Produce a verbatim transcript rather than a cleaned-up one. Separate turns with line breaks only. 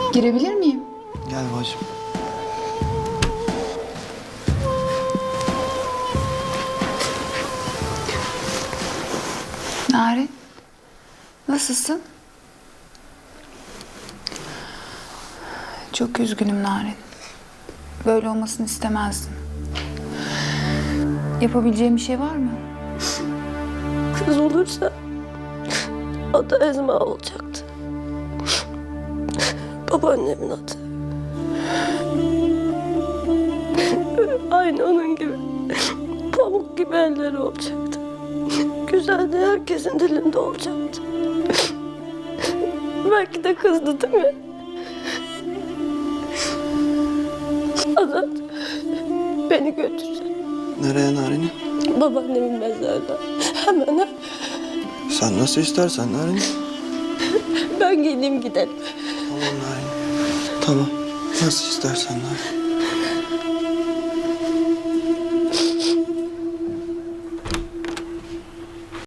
Girebilir miyim?
Gel bacım.
Narin, nasılsın? Çok üzgünüm Narin. Böyle olmasını istemezdim. Yapabileceğim bir şey var mı?
Kız olursa adı Ezma olacaktı. Babaannemin adı. Aynı onun gibi pamuk gibi elleri olacaktı. Güzel de herkesin dilinde olacaktı. Belki de kızdı değil mi? Azat, beni götür.
Nereye Narin'i?
Babaannemin mezarına. Hemen ha.
Sen nasıl istersen Narin.
Ben geleyim gidelim.
Tamam Narin. Tamam. Nasıl istersen Narin.